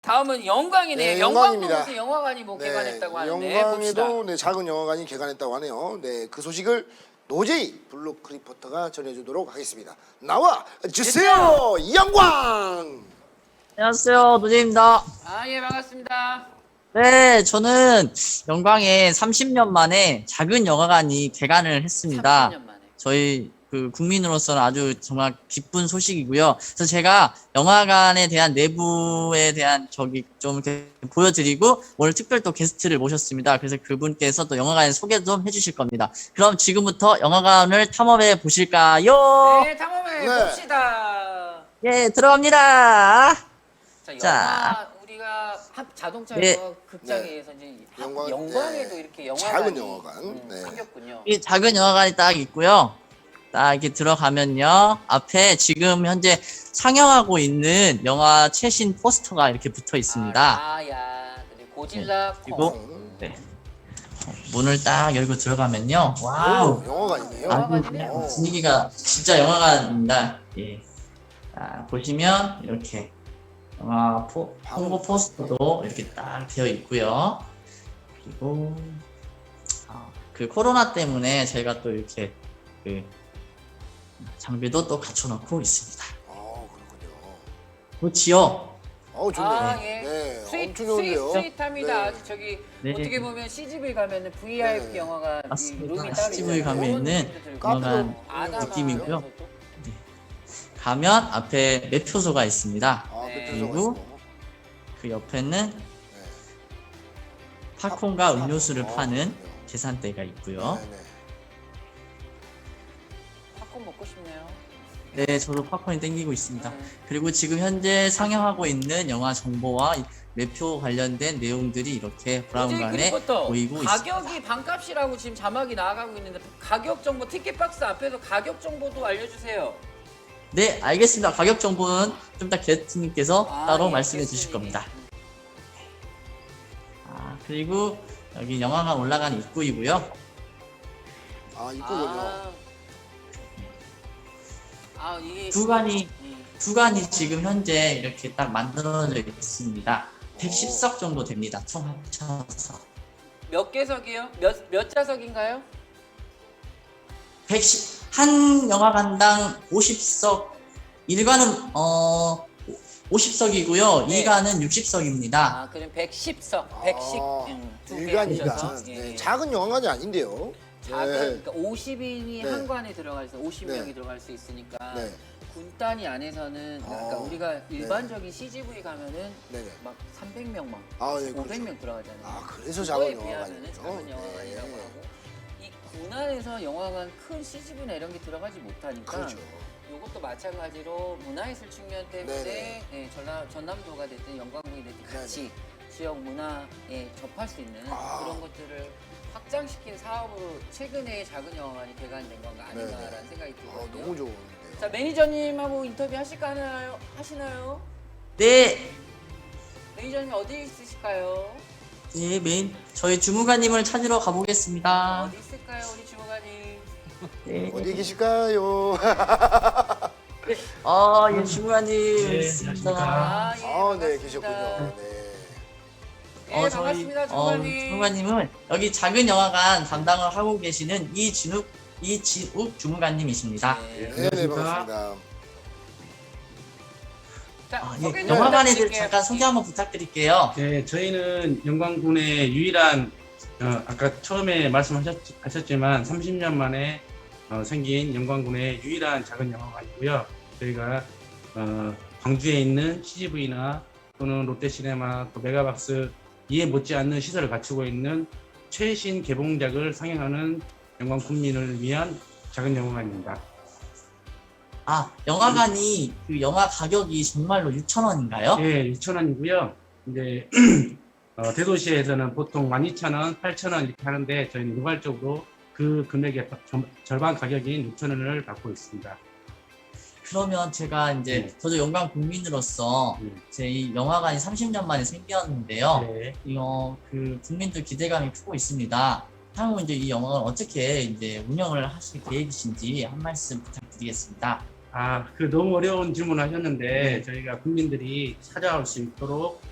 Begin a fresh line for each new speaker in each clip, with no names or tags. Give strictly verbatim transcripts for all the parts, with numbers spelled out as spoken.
다음은 영광이네요.
네,
영광도
영광입니다.
무슨 영화관이 뭐 개관했다고 하는데
영광에도
봅시다.
네, 작은 영화관이 개관했다고 하네요. 네, 그 소식을 노제이 블록 리포터가 전해주도록 하겠습니다. 나와 주세요, 영광.
안녕하세요, 노제입니다.
아, 예, 반갑습니다.
네, 저는 영광에 삼십 년 만에 작은 영화관이 개관을 했습니다.
삼십 년 만에.
저희 그 국민으로서는 아주 정말 기쁜 소식이고요. 그래서 제가 영화관에 대한 내부에 대한 저기 좀 이렇게 보여드리고 오늘 특별 또 게스트를 모셨습니다. 그래서 그분께서 또 영화관 소개 좀 해주실 겁니다. 그럼 지금부터 영화관을 탐험해 보실까요?
네, 탐험해
네.
봅시다.
예, 들어갑니다.
자, 영화
자.
우리가 한 자동차
네.
영화 극장에서 이제
영광-
영광에도
네.
이렇게 영화관이
작은 영화관.
음,
네.
생겼군요.
이 작은 영화관이 딱 있고요. 딱 이렇게 들어가면요. 앞에 지금 현재 상영하고 있는 영화 최신 포스터가 이렇게 붙어 있습니다.
아, 야, 그리고 고질라
그리고
콩.
네. 어, 문을 딱 열고 들어가면요. 와우.
오, 영화관이네요.
아주
영화관이네요.
그냥 분위기가 진짜 영화관입니다. 예. 자, 보시면 이렇게 영화 포, 홍보 포스터도 이렇게 딱 되어 있고요. 그리고 아, 그 코로나 때문에 저희가 또 이렇게 그 장비도 또 갖춰놓고 있습니다.
아, 그렇군요.
그렇지요.
어우, 좋네요.
아, 예.
네,
스윗,
엄청
스윗,
좋은데요.
스윗합니다.
네.
저기
네.
어떻게 보면 씨지브이 가면은 브이아이피
네.
영화가 이
맞습니다.
룸이 따로
씨지브이
있잖아요.
가면
그런
있는
느낌도 들고.
카페도
영화관
아담한
느낌이고요.
것도.
가면 앞에 매표소가 있습니다.
아,
네.
그 표정이
그리고
있고.
그 옆에는
네.
팝콘과
팝-
음료수를
아,
파는
그렇군요.
계산대가 있고요.
네, 네.
팝콘 먹고 싶네요.
네, 저도 팝콘이 땡기고 있습니다.
음.
그리고 지금 현재 상영하고 있는 영화 정보와 이 매표 관련된 내용들이 이렇게 브라운관에
그리고
보이고 있습니다.
가격이 반값이라고 지금 자막이 나가고 있는데 가격 정보 티켓박스 앞에서 가격 정보도 알려주세요.
네, 알겠습니다. 가격 정보는 좀 이따 게스트님께서
아,
따로
예,
말씀해 주실
게스트님이.
겁니다. 아, 그리고 여기 영화관 올라가는 입구이고요.
아, 이쁘군요.
아, 아 이게
구간이
음.
구간이 지금 현재 이렇게 딱 만들어져 있습니다. 백십 석 정도 됩니다. 총 합쳐서.
몇 개석이요? 몇 몇 좌석인가요?
백십 한 영화관당 오십 석, 일 관은 어 오십 석이고요.
네.
이 관은 육십 석입니다.
아 그럼 백십 석, 백십
아,
음, 두 개.
일관이니까
합쳐서.
네,
예, 예.
작은 영화관이 아닌데요.
작은
네.
그러니까 오십 인이
네.
한 관에 들어갈 수 오십 명이
네.
들어갈 수 있으니까
네,
군 단위 안에서는 그러니까
어,
우리가 일반적인 씨지브이 가면은
네, 네.
막 삼백 명 막
아, 예,
오백
그렇죠.
명 들어가잖아요.
아, 그래서
그거에
작은
비하면은
영화관이죠.
작은 영화관이라고
네.
하고 이 군안에서 영화관 큰 씨지브이나 이런 게 들어가지 못하니까
그렇죠.
이것도 마찬가지로 문화예술 측면 때문에
네네.
예, 전남, 전남도가 됐든 영광군이 됐든 같이 지역 문화에 접할 수 있는
아.
그런 것들을 확장시킨 사업으로 최근에 작은 영화관이 개관된 건가 아닌가라는
네네.
생각이
아,
들거든요.
너무 좋은데요.
자 매니저님하고 인터뷰 하실까 하나요? 하시나요?
네,
매니저님 어디 있으실까요?
네 메인 저희 주무관님을 찾으러 가보겠습니다.
어디 있을까요, 우리 주무관님?
네.
어디 계실까요?
아, 예, 주무관님
네,
있습니다.
아, 예,
아, 네,
반갑습니다.
계셨군요. 네.
예, 반갑습니다,
어,
주무관님.
주무관님은 여기 작은 영화관 담당을 하고 계시는 이진욱 이진욱 주무관님이십니다.
네.
네, 네, 반갑습니다.
자,
아,
소개
예,
좀
영화관에 대해
부탁드릴게요.
잠깐 소개 한번 부탁드릴게요.
네, 저희는 영광군의 유일한 어, 아까 처음에 말씀하셨지만 삼십 년 만에 어, 생긴 영광군의 유일한 작은 영화관이고요. 저희가 어, 광주에 있는 씨지브이나 또는 롯데시네마 또 메가박스 이에 못지않는 시설을 갖추고 있는 최신 개봉작을 상영하는 영광 국민을 위한 작은 영화관입니다.
아, 영화관이 그 영화 가격이 정말로 육천 원인가요?
예, 육천 원이고요. 이제 어, 대도시에서는 보통 만 이천 원, 팔천 원 이렇게 하는데 저희는 일괄적으로 그 금액의 점- 절반 가격인 육천 원을 받고 있습니다.
그러면 제가 이제
네.
저도 영광 국민으로서
네.
제 이 영화관이 삼십 년 만에 생겼는데요.
네.
이거 그 국민들 기대감이 크고 있습니다. 향후 이제 이 영화를 어떻게 이제 운영을 하실 계획이신지 한 말씀 부탁드리겠습니다.
아, 그 너무 어려운 질문을 하셨는데
네.
저희가 국민들이 찾아올 수 있도록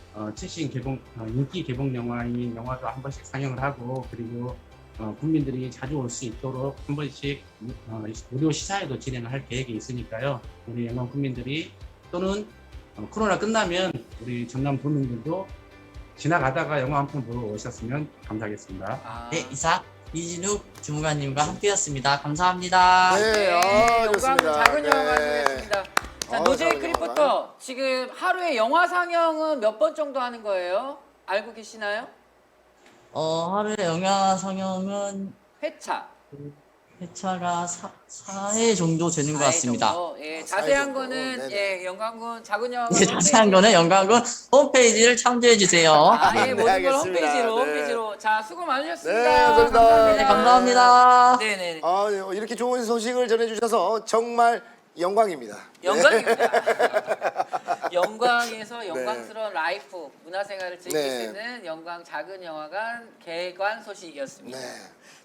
어, 최신 개봉 어, 인기 개봉 영화인 영화도 한 번씩 상영을 하고 그리고 어, 국민들이 자주 올 수 있도록 한 번씩 어, 무료 시사회도 진행을 할 계획이 있으니까요. 우리 영광 국민들이 또는 어, 코로나 끝나면 우리 전남 도민들도 지나가다가 영화 한 편 보러 오셨으면 감사하겠습니다.
아,
네, 이상 이진욱 주무관님과 함께였습니다. 감사합니다.
네,
네,
아,
영광
좋습니다.
작은
네.
영화관 되겠습니다. 자,
아,
노제이
작은
크리포터 지금 하루에 영화 상영은 몇 번 정도 하는 거예요? 알고 계시나요?
어, 하루에 영화 상영은
회차.
회차가 사 회 정도 되는 것
사 회
같습니다.
정도. 예,
아, 사 회
자세한
정도.
거는
네네.
예, 영광군 작은 영화관
네, 자세한 거는 영광군 홈페이지를 참조해 주세요.
아, 예,
네,
모든 걸
알겠습니다.
홈페이지로
네.
홈페이지로. 자, 수고 많으셨습니다.
네, 감사합니다.
네, 감사합니다.
네, 네.
아, 네, 이렇게 좋은 소식을 전해주셔서 정말 영광입니다.
영광입니다. 영광에서 영광스러운 라이프, 문화생활을 즐길
네.
수 있는 영광 작은 영화관 개관 소식이었습니다.
네.